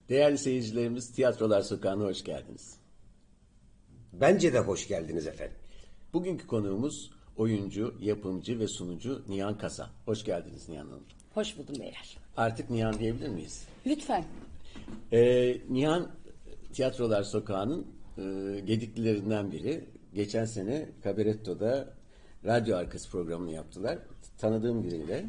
Değerli seyircilerimiz, Tiyatrolar Sokağı'na hoş geldiniz. Bence de hoş geldiniz efendim. Bugünkü konuğumuz oyuncu, yapımcı ve sunucu Nihan Kasa. Hoş geldiniz Nihan Hanım. Hoş buldum beyler. Artık Nihan diyebilir miyiz? Lütfen. Nihan, Tiyatrolar Sokağı'nın gediklilerinden biri. Geçen sene Cabaretto'da radyo arkası programını yaptılar. Tanıdığım biriyle.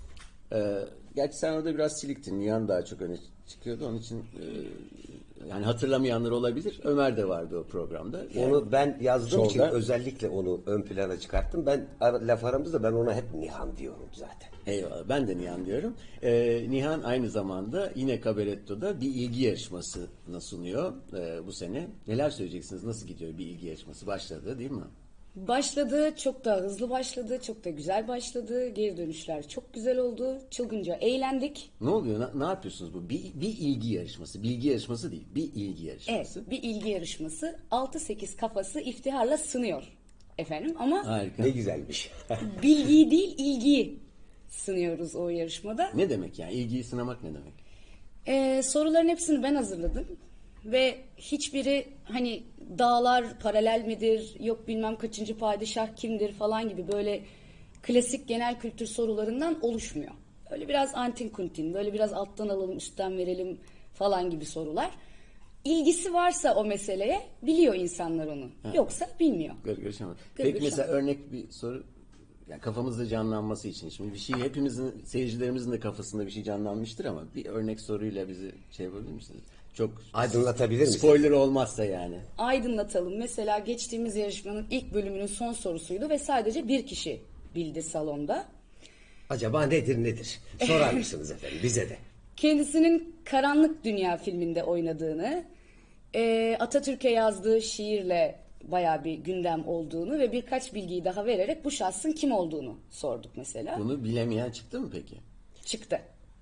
Gerçi sen orada biraz siliktin. Nihan daha çok öne çıkıyordu. Onun için yani hatırlamayanlar olabilir. Ömer de vardı o programda. Yani, Onu ben yazdığım için solda. özellikle onu ön plana çıkarttım. Laf aramızda ben ona hep Nihan diyorum zaten. Eyvallah. Ben de Nihan diyorum. Nihan aynı zamanda yine Cabaretto'da bir ilgi yarışmasını sunuyor bu sene. Neler söyleyeceksiniz? Nasıl gidiyor bir ilgi yarışması? Başladı değil mi? Başladı, çok da hızlı başladı, çok da güzel başladı. Geri dönüşler çok güzel oldu. Çılgınca eğlendik. Ne oluyor? Ne yapıyorsunuz bu? Bir ilgi yarışması. Bilgi yarışması değil. Bir ilgi yarışması. Evet, bir ilgi yarışması 6-8 kafası iftiharla sınıyor efendim. Ama Harika. Ne güzelmiş. bilgiyi değil ilgiyi sınıyoruz o yarışmada. Ne demek yani? İlgiyi sınamak ne demek? Soruların hepsini ben hazırladım. Ve hiçbiri hani dağlar paralel midir, yok bilmem kaçıncı padişah kimdir falan gibi böyle klasik genel kültür sorularından oluşmuyor. Öyle biraz antin kuntin, böyle biraz alttan alalım üstten verelim falan gibi sorular. İlgisi varsa o meseleye biliyor insanlar onu. Yoksa bilmiyor. Görüşemedim. Gırgır Peki mesela şamata. örnek bir soru. Yani kafamızda canlanması için. Şimdi bir şey hepimizin, seyircilerimizin de kafasında bir şey canlanmıştır ama bir örnek soruyla bizi şey yapabilir misiniz? Çok Aydınlatabilir misiniz? spoiler olmazsa yani. Aydınlatalım. Mesela geçtiğimiz yarışmanın ilk bölümünün son sorusuydu ve sadece bir kişi bildi salonda. Acaba nedir? Sorar mısınız efendim bize de? Kendisinin Karanlık Dünya filminde oynadığını, Atatürk'e yazdığı şiirle bayağı bir gündem olduğunu ve birkaç bilgiyi daha vererek bu şahsın kim olduğunu sorduk mesela. Bunu bilemeyen çıktı mı peki? Çıktı.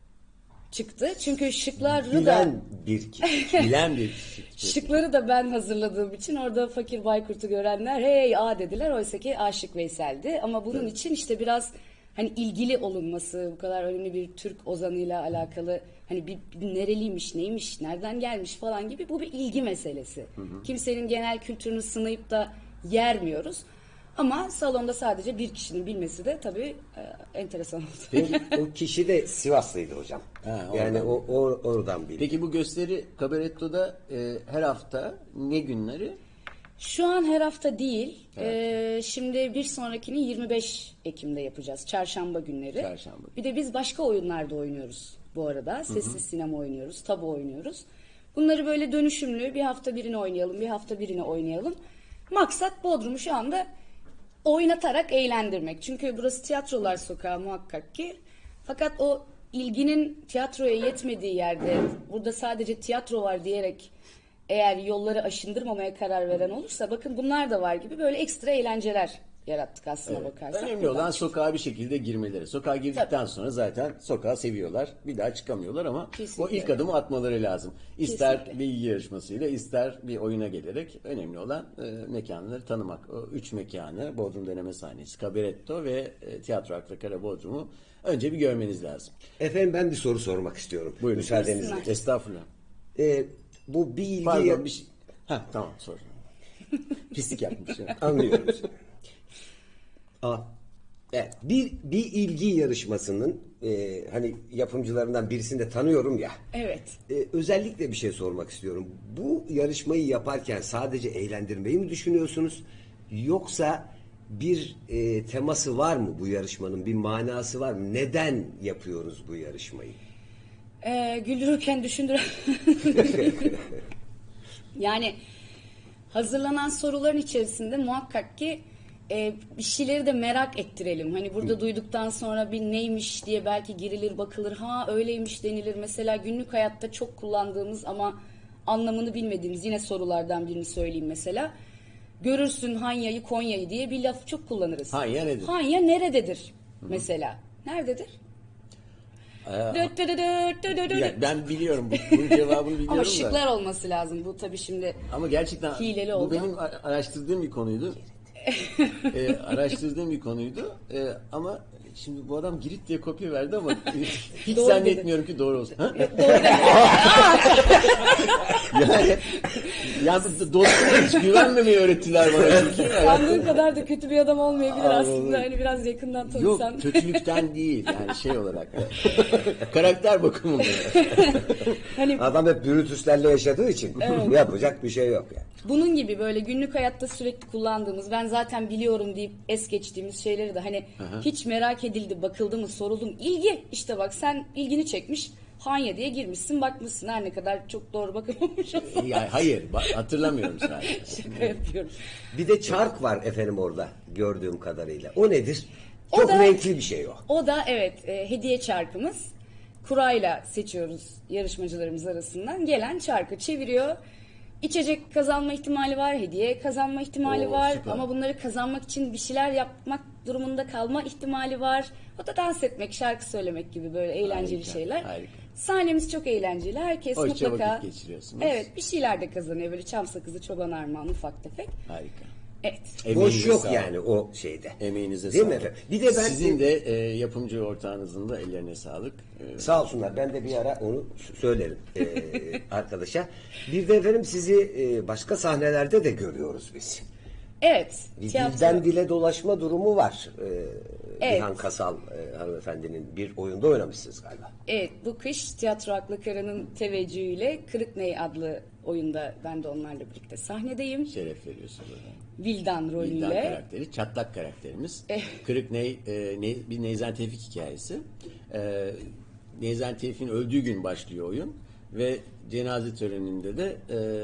Çıktı çünkü şıkları da Bilen bir kişi. Bilen bir kişi. şıkları da ben hazırladığım için orada Fakir Baykurt'u görenler hey a dediler, oysa ki Aşık Veysel'di. Ama bunun için işte biraz hani ilgili olunması, bu kadar önemli bir Türk ozanıyla alakalı hani bir nereliymiş, neymiş, nereden gelmiş falan gibi, bu bir ilgi meselesi. Kimsenin genel kültürünü sınayıp da yermiyoruz. Ama salonda sadece bir kişinin bilmesi de tabii enteresan oldu. Peki, o kişi de Sivaslıydı hocam. Ha, Yani oradan. oradan bildim. Peki bu gösteri Cabaretto'da her hafta ne günleri? Şu an her hafta değil. Şimdi bir sonrakini 25 Ekim'de yapacağız. Çarşamba günleri. Çarşamba. Bir de biz başka oyunlarda oynuyoruz bu arada. Sessiz sinema oynuyoruz, tabu oynuyoruz. Bunları böyle dönüşümlü, bir hafta birini oynayalım, bir hafta birini oynayalım. Maksat Bodrum'u şu anda oynatarak eğlendirmek. Çünkü burası Tiyatrolar Sokağı muhakkak ki. Fakat o ilginin tiyatroya yetmediği yerde, burada sadece tiyatro var diyerek eğer yolları aşındırmamaya karar veren olursa, bakın bunlar da var gibi böyle ekstra eğlenceler yarattık aslına bakarsak. Önemli olan sokağa bir şekilde girmeleri. Sokağa girdikten sonra zaten sokağı seviyorlar. Bir daha çıkamıyorlar ama Kesinlikle. o ilk adımı atmaları lazım. İster Kesinlikle. bilgi yarışmasıyla, ister bir oyuna gelerek önemli olan mekanları tanımak. O üç mekanı, Bodrum Deneme Sahnesi, Cabaretto ve Tiyatro Akla Kara Bodrum'u önce bir görmeniz lazım. Efendim ben bir soru sormak istiyorum. Buyurun. Müsaadenizle. Buyursunlar. Estağfurullah. Bu bir ilgi... Pardon bir şey. Tamam sor. Pislik yapmış. Anlıyorum. Evet, bir ilgi yarışmasının hani yapımcılarından birisini de tanıyorum ya. Evet. Özellikle bir şey sormak istiyorum. Bu yarışmayı yaparken sadece eğlendirmeyi mi düşünüyorsunuz? Yoksa bir teması var mı bu yarışmanın? Bir manası var mı? Neden yapıyoruz bu yarışmayı? Güldürürken düşündüren... Yani hazırlanan soruların içerisinde muhakkak ki bir şeyleri de merak ettirelim. Hani burada duyduktan sonra bir neymiş diye belki girilir, bakılır. Ha öyleymiş denilir. Mesela günlük hayatta çok kullandığımız ama anlamını bilmediğimiz yine sorulardan birini söyleyeyim mesela. Görürsün Hanya'yı Konya'yı diye bir laf çok kullanırız. Hanya nedir? Hanya nerededir mesela? Nerededir? Dıt dıt dıt dıt dıt dıt. Ya ben biliyorum bunun cevabını biliyorum Ama da. şıklar olması lazım. Bu tabii şimdi Ama gerçekten hileli bu oldu. benim araştırdığım bir konuydu. Araştırdığım bir konuydu. Ama şimdi bu adam Girit diye kopya verdi ama hiç Doğru zannetmiyorum ki doğru olsun. Ha? yani, yani dostuma hiç güvenmemeyi öğrettiler bana. Çünkü. Sandığın kadar da kötü bir adam olmayabilir Aa, aslında. Hani biraz yakından tanısan. Yok, kötülükten değil yani şey olarak da. Karakter bakımından. Hani Adam hep Brutus'lerle yaşadığı için yapacak bir şey yok yani. bunun gibi böyle günlük hayatta sürekli kullandığımız, ben zaten biliyorum deyip es geçtiğimiz şeyleri de hani hiç merak edildi, bakıldı mı, soruldu mu? İlgi. İşte bak, sen ilgini çekmiş. Hanya diye girmişsin, bakmışsın, her ne kadar çok doğru bakılmamış olsa. Yani hayır, hatırlamıyorum sadece. Şaka yapıyorum. Bir de çark var efendim orada gördüğüm kadarıyla. O nedir? O Çok da- renkli bir şey o. O da evet, hediye çarkımız. Kurayla seçiyoruz yarışmacılarımız arasından. Gelen çarkı çeviriyor. İçecek kazanma ihtimali var, hediye kazanma ihtimali Oo, var. süper. Ama bunları kazanmak için bir şeyler yapmak durumunda kalma ihtimali var. O da dans etmek, şarkı söylemek gibi böyle eğlenceli Harika, şeyler. harika. Sahnemiz çok eğlenceli. Herkes Hoşça mutlaka vakit geçiriyorsunuz. evet, bir şeyler de kazanıyor. Böyle çam sakızı, çoban armağanı, ufak tefek. Harika. Evet. Boş Emeğinize yok sağlık. yani o şeyde. Emeğinize Değil sağlık. mi efendim? Bir de ben Sizin de yapımcı ortağınızın da ellerine sağlık. Sağ olsunlar. Ben de bir ara onu söylerim arkadaşa. Bir de efendim sizi başka sahnelerde de görüyoruz biz. Evet. Bir tiyatro. dilden dile dolaşma durumu var. Evet. Nihan Kasal hanımefendinin bir oyunda oynamışsınız galiba. Evet, bu kış Tiyatro Aklı Kara'nın teveccühüyle Kırık Ney adlı oyunda ben de onlarla birlikte sahnedeyim. Şeref veriyorsunuz. Vildan rolüyle. Vildan karakteri, çatlak karakterimiz. Kırık bir Neyzen Tevfik hikayesi. Neyzen Tevfik'in öldüğü gün başlıyor oyun ve cenaze töreninde de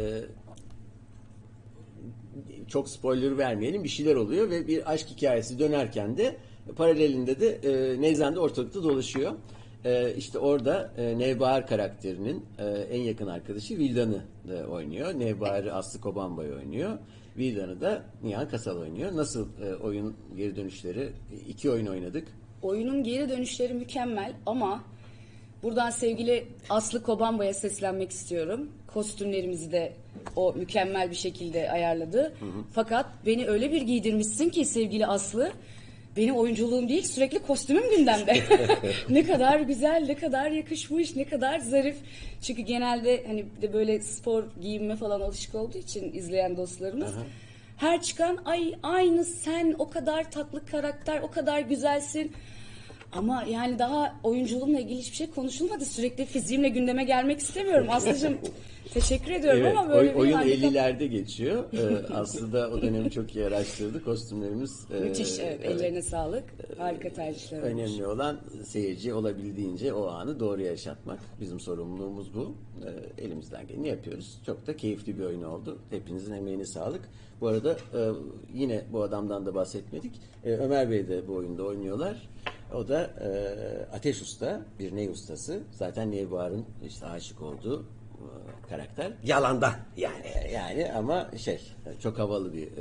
çok spoiler vermeyelim, bir şeyler oluyor ve bir aşk hikayesi dönerken de paralelinde de Neyzen de ortalıkta dolaşıyor. İşte orada Nevbahar karakterinin en yakın arkadaşı Vildan'ı da oynuyor. Nevbahar'ı Aslı Kobanbay oynuyor. Vildan'ı da Nihan Kasal oynuyor. Nasıl oyun geri dönüşleri? 2 oyun oynadık. Oyunun geri dönüşleri mükemmel ama buradan sevgili Aslı Kobanbay'a seslenmek istiyorum. Kostümlerimizi de o mükemmel bir şekilde ayarladı. Fakat beni öyle bir giydirmişsin ki sevgili Aslı, benim oyunculuğum değil, sürekli kostümüm gündemde. Ne kadar güzel, ne kadar yakışmış, ne kadar zarif. Çünkü genelde hani bir de böyle spor giyinme falan alışık olduğu için izleyen dostlarımız. Her çıkan ay aynı sen, o kadar tatlı karakter, o kadar güzelsin. Ama yani daha oyunculuğumla ilgili hiçbir şey konuşulmadı. Sürekli fiziğimle gündeme gelmek istemiyorum. Aslıcığım teşekkür ediyorum Evet, ama böyle bir oyun handikap- 50'lerde geçiyor. Aslında o dönemi çok iyi araştırdı. Kostümlerimiz Müthiş, evet, ellerine sağlık. Harika tercihler olmuş. önemli olan seyirci olabildiğince o anı doğru yaşatmak. Bizim sorumluluğumuz bu. Elimizden geleni yapıyoruz. Çok da keyifli bir oyun oldu. Hepinizin emeğine sağlık. Bu arada yine bu adamdan da bahsetmedik. Ömer Bey de bu oyunda oynuyorlar. O da Ateş Usta, bir ney ustası. Zaten Nevbahar'ın işte aşık olduğu karakter. Yalandan yani. Yani ama çok havalı bir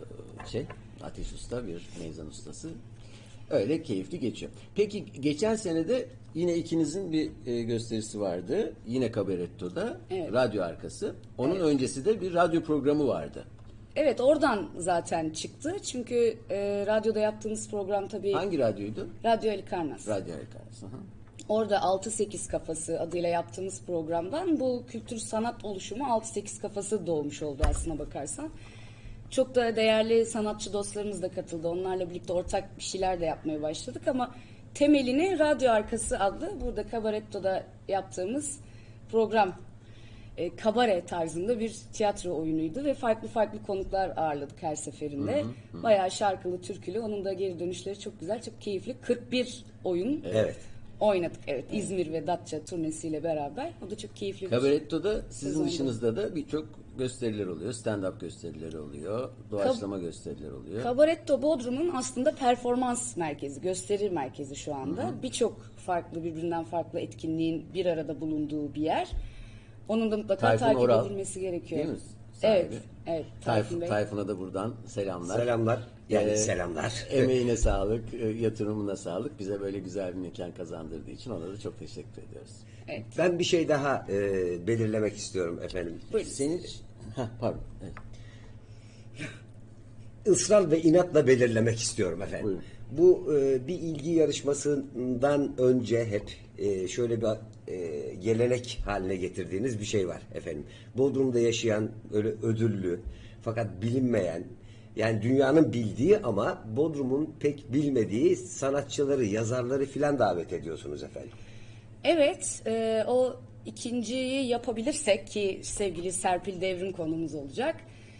Ateş Usta, bir neyzan ustası. Öyle keyifli geçiyor. Peki geçen sene de yine ikinizin bir gösterisi vardı. Yine Kabaretto'da. Evet. Radyo arkası. Onun öncesi de bir radyo programı vardı. Evet, oradan zaten çıktı. Çünkü radyoda yaptığımız program tabii Hangi radyoydu? Radyo Ali Karnas. Radyo arkası. Hı. Orada 6-8 kafası adıyla yaptığımız programdan bu kültür sanat oluşumu 6-8 kafası doğmuş oldu aslına bakarsan. Çok da değerli sanatçı dostlarımız da katıldı. Onlarla birlikte ortak bir şeyler de yapmaya başladık ama temelini Radyo Arkası adlı burada Kabaretto'da yaptığımız program kabare tarzında bir tiyatro oyunuydu ve farklı farklı konuklar ağırladık her seferinde. Bayağı şarkılı, türkülü. Onun da geri dönüşleri çok güzel, çok keyifli. 41 oyun Evet. oynadık. Evet, İzmir ve Datça turnesiyle beraber. O da çok keyifli bir Kabaretto'da sizin Sezonda. dışınızda da birçok gösteriler oluyor. Stand-up gösterileri oluyor. Doğaçlama gösteriler oluyor. Kabaretto Bodrum'un aslında performans merkezi, gösteri merkezi şu anda. Birçok farklı, birbirinden farklı etkinliğin bir arada bulunduğu bir yer. Onun da mutlaka Tayfun takip Oral, edilmesi gerekiyor. değil mi? Sahibi. Evet, evet. Tayfun Bey. Tayfun'a da buradan selamlar. Selamlar. Yani Ee, selamlar. Emeğine sağlık, yatırımına sağlık. Bize böyle güzel bir mekan kazandırdığı için ona da çok teşekkür ediyoruz. Evet. Ben bir şey daha belirlemek istiyorum efendim. Buyurun. Senin... pardon. Evet. ısrar ve inatla belirlemek istiyorum efendim. Buyurun. Bu bir ilgi yarışmasından önce hep şöyle bir gelenek haline getirdiğiniz bir şey var efendim. Bodrum'da yaşayan öyle ödüllü fakat bilinmeyen, yani dünyanın bildiği ama Bodrum'un pek bilmediği sanatçıları, yazarları filan davet ediyorsunuz efendim. Evet, o ikinciyi yapabilirsek ki sevgili Serpil Devrim konumuz olacak.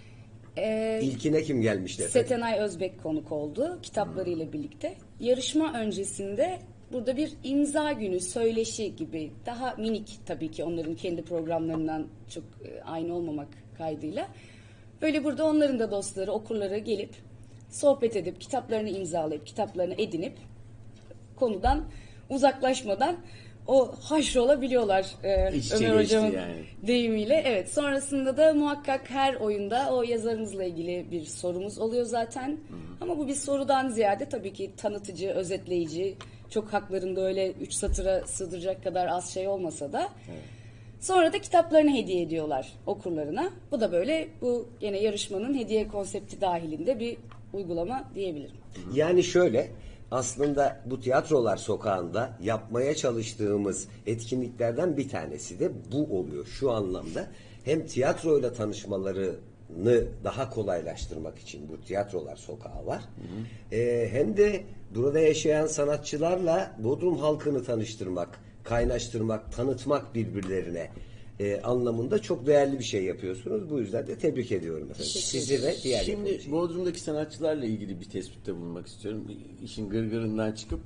İlkine kim gelmişti efendim? Setenay Özbek konuk oldu kitaplarıyla birlikte. Yarışma öncesinde burada bir imza günü, söyleşi gibi daha minik tabii ki onların kendi programlarından çok aynı olmamak kaydıyla. Böyle burada onların da dostları, okurları gelip sohbet edip, kitaplarını imzalayıp, kitaplarını edinip konudan uzaklaşmadan o haşrolabiliyorlar İç içe Ömer geçti Hocam'ın yani. deyimiyle. Evet, sonrasında da muhakkak her oyunda o yazarımızla ilgili bir sorumuz oluyor zaten. Ama bu bir sorudan ziyade tabii ki tanıtıcı, özetleyici, çok haklarında öyle 3 satıra sığdıracak kadar az şey olmasa da. Sonra da kitaplarını hediye ediyorlar okurlarına. Bu da böyle bu gene yarışmanın hediye konsepti dahilinde bir uygulama diyebilirim. Yani şöyle, aslında bu tiyatrolar sokağında yapmaya çalıştığımız etkinliklerden bir tanesi de bu oluyor şu anlamda. Hem tiyatroyla tanışmalarını daha kolaylaştırmak için bu tiyatrolar sokağı var. Hem de burada yaşayan sanatçılarla Bodrum halkını tanıştırmak, kaynaştırmak, tanıtmak birbirlerine anlamında çok değerli bir şey yapıyorsunuz. Bu yüzden de tebrik ediyorum efendim. Sizi ve diğer Şimdi yapımcıyı. Bodrum'daki sanatçılarla ilgili bir tespitte bulunmak istiyorum. İşin gırgırından çıkıp.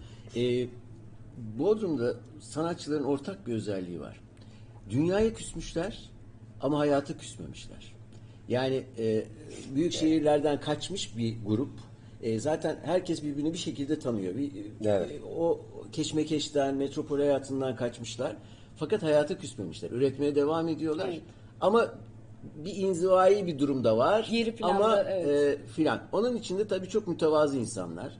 Bodrum'da sanatçıların ortak bir özelliği var. Dünyaya küsmüşler ama hayata küsmemişler. Yani büyük şehirlerden kaçmış bir grup. Zaten herkes birbirini bir şekilde tanıyor. Evet. O keşmekeşten, metropol hayatından kaçmışlar. Fakat hayata küsmemişler. Üretmeye devam ediyorlar. Evet. Ama bir inzivai bir durumda var. Geri planda, ama evet. filan. Onun içinde tabii çok mütevazı insanlar.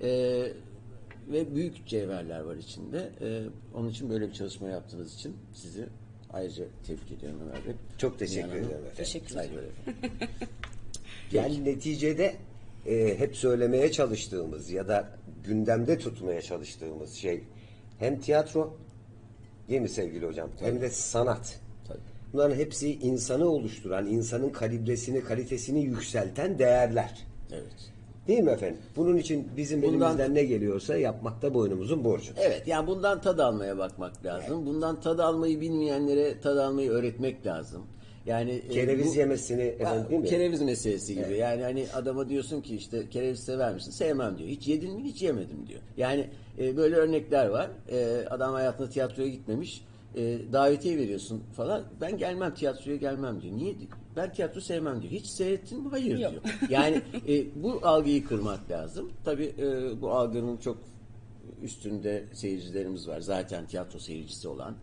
Ve büyük cevherler var içinde. Onun için böyle bir çalışma yaptığınız için sizi ayrıca tebrik ediyorum Ömer Bey. Çok teşekkür Dünyanın- ederim efendim. Teşekkürler. Saygılar efendim. Yani neticede hep söylemeye çalıştığımız ya da gündemde tutmaya çalıştığımız şey hem tiyatro, değil mi sevgili hocam? Hem de sanat. Tabii. Bunların hepsi insanı oluşturan, insanın kalibresini, kalitesini yükselten değerler. Evet. Değil mi efendim? Bunun için bizim Bundan- elimizden ne geliyorsa yapmakta boynumuzun borcu. Evet, yani bundan tad almaya bakmak lazım. Bundan tad almayı bilmeyenlere tad almayı öğretmek lazım. Yani Kereviz yemesini efendim, değil mi? Kereviz meselesi gibi. Yani hani adama diyorsun ki işte kereviz sever misin? Sevmem diyor. Hiç yedin mi? Hiç yemedim diyor. Yani böyle örnekler var. Adam hayatında tiyatroya gitmemiş. Davetiye veriyorsun falan. Ben gelmem, tiyatroya gelmem diyor. Niye? Ben tiyatro sevmem diyor. Hiç seyrettin mi? Hayır Yok. diyor. Yani bu algıyı kırmak lazım. Tabii bu algının çok üstünde seyircilerimiz var. Zaten tiyatro seyircisi olan,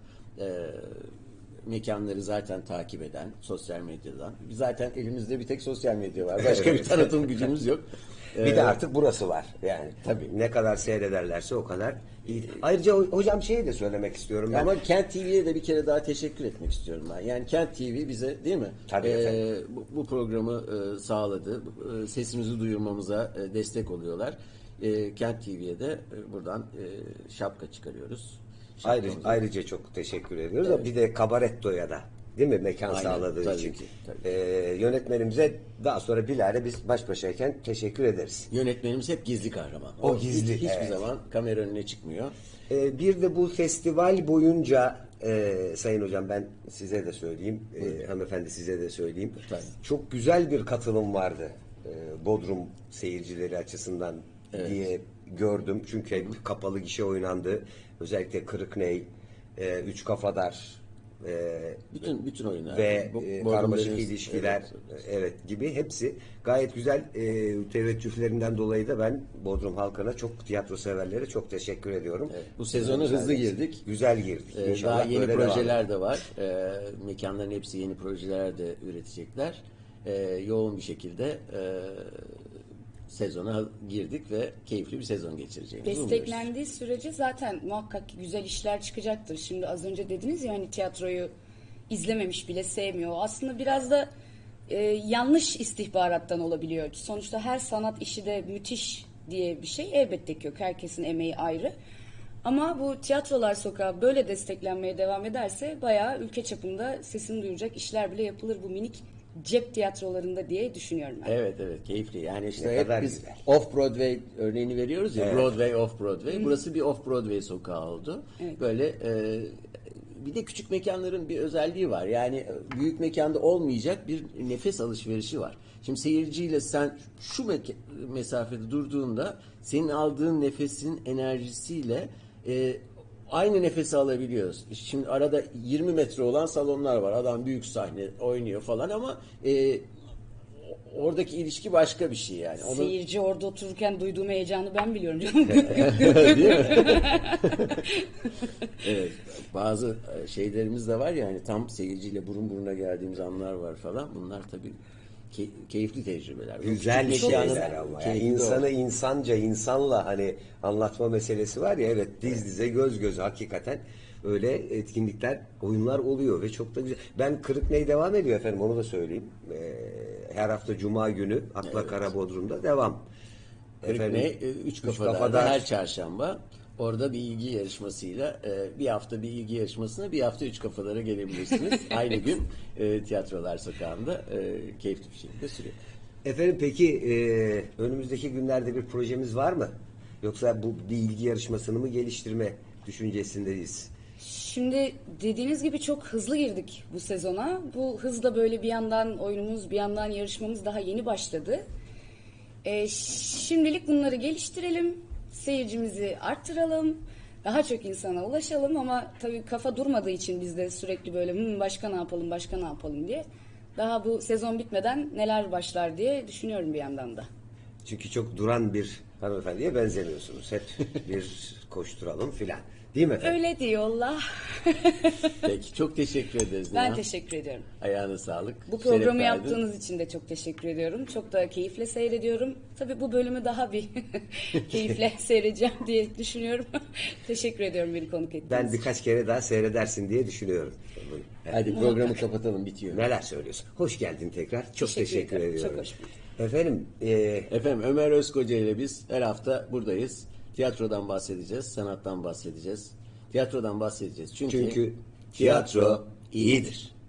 mekanları zaten takip eden, sosyal medyadan. Zaten elimizde bir tek sosyal medya var. Başka bir tanıtım gücümüz yok. Bir de artık burası var. Yani Tabii. ne kadar seyrederlerse o kadar iyi. Ayrıca hocam şeyi de söylemek istiyorum ben. Ama Kent TV'ye de bir kere daha teşekkür etmek istiyorum ben. Yani Kent TV bize, değil mi? Tabii efendim. Bu programı sağladı. Sesimizi duyurmamıza destek oluyorlar. Kent TV'ye de buradan şapka çıkarıyoruz. Şapkamızı- Ayrıca çok teşekkür ediyoruz. Evet. Bir de Kabaretto'ya da, değil mi, mekan Aynen, sağladığı tabii için. ki, tabii. Yönetmenimize daha sonra bilahare biz baş başayken teşekkür ederiz. Yönetmenimiz hep gizli kahraman. O gizli, Hiçbir evet. zaman kamera önüne çıkmıyor. Bir de bu festival boyunca Sayın Hocam ben size de söyleyeyim, hanımefendi size de söyleyeyim. Tabii. Çok güzel bir katılım vardı Bodrum seyircileri açısından diye gördüm. Çünkü hep kapalı gişe oynandı. Özellikle Kırıkney, Üç Kafadar Bütün oyunlar. ve karmaşık Bodrum'da- ilişkiler Evet. evet gibi hepsi gayet güzel teveccühlerinden dolayı da ben Bodrum halkına, çok tiyatro severlere çok teşekkür ediyorum. Evet, bu sezona hızlı girdik. Güzel girdik. İnşallah Daha yeni böyle devam projeler de var. Mekanların hepsi yeni projeler de üretecekler. Yoğun bir şekilde sezona girdik ve keyifli bir sezon geçireceğimizi umuyoruz. Desteklendiği sürece zaten muhakkak güzel işler çıkacaktır. Şimdi az önce dediniz ya hani tiyatroyu izlememiş bile sevmiyor. Aslında biraz da yanlış istihbarattan olabiliyor. Sonuçta her sanat işi de müthiş diye bir şey elbette ki yok. Herkesin emeği ayrı. Ama bu Tiyatrolar Sokağı böyle desteklenmeye devam ederse bayağı ülke çapında sesini duyuracak işler bile yapılır bu minik cep tiyatrolarında diye düşünüyorum ben. Evet keyifli. Yani işte Ne hep kadar biz güzel. Off-Broadway örneğini veriyoruz ya. Evet. Broadway, Off-Broadway. Burası bir Off-Broadway sokağı oldu. Evet. Böyle bir de küçük mekanların bir özelliği var. Yani büyük mekanda olmayacak bir nefes alışverişi var. Şimdi seyirciyle sen şu mesafede durduğunda senin aldığın nefesin enerjisiyle aynı nefesi alabiliyoruz. Şimdi arada 20 metre olan salonlar var. Adam büyük sahne oynuyor falan ama oradaki ilişki başka bir şey yani. Seyirci orada otururken duyduğum heyecanı ben biliyorum canım. Değil mi? Evet. Bazı şeylerimiz de var ya hani tam seyirciyle burun buruna geldiğimiz anlar var falan. Bunlar tabii keyifli tecrübeler. Bu Güzel küçük şeyler mekanın ama. Yani keyfi de o. insanı insanca, insanla hani anlatma meselesi var ya, evet, diz dize, göz göze, hakikaten öyle etkinlikler, oyunlar oluyor ve çok da güzel. Ben Kırıkney devam ediyor efendim, onu da söyleyeyim. Her hafta Cuma günü Akla Kara Bodrum'da devam. Kırıkney, üç kafada Kafadar. her çarşamba orada bir ilgi yarışmasıyla bir hafta bir ilgi yarışmasına bir hafta üç kafalara gelebilirsiniz. Aynı gün Tiyatrolar Sokağı'nda keyifli bir şekilde sürüyor. Efendim peki önümüzdeki günlerde bir projemiz var mı? Yoksa bu bir ilgi yarışmasını mı geliştirme düşüncesindeyiz? Şimdi dediğiniz gibi çok hızlı girdik bu sezona. Bu hızla böyle bir yandan oyunumuz, bir yandan yarışmamız daha yeni başladı. Şimdilik bunları geliştirelim, seyircimizi arttıralım, daha çok insana ulaşalım ama tabii kafa durmadığı için biz de sürekli böyle başka ne yapalım, başka ne yapalım diye. Daha bu sezon bitmeden neler başlar diye düşünüyorum bir yandan da. Çünkü çok duran bir hanımefendiye benzemiyorsunuz. Hep bir koşturalım filan. Değil mi efendim? Öyle diyorlar. Peki çok teşekkür ederiz. Ben Nihan. teşekkür ediyorum. Ayağına sağlık. Bu Şeref programı verdin. yaptığınız için de çok teşekkür ediyorum. Çok da keyifle seyrediyorum. Tabii bu bölümü daha bir keyifle seyredeceğim diye düşünüyorum. Teşekkür ediyorum beni konuk ettiğiniz Ben için. birkaç kere daha seyredersin diye düşünüyorum. Evet. Hadi programı kapatalım, bitiyor. Neler söylüyorsun? Hoş geldin tekrar. Çok teşekkür ederim. ediyorum. Çok hoş bulduk. Efendim Efendim Ömer Özkoca ile biz her hafta buradayız. Tiyatrodan bahsedeceğiz, sanattan bahsedeceğiz. Tiyatrodan bahsedeceğiz. Çünkü çünkü tiyatro iyidir.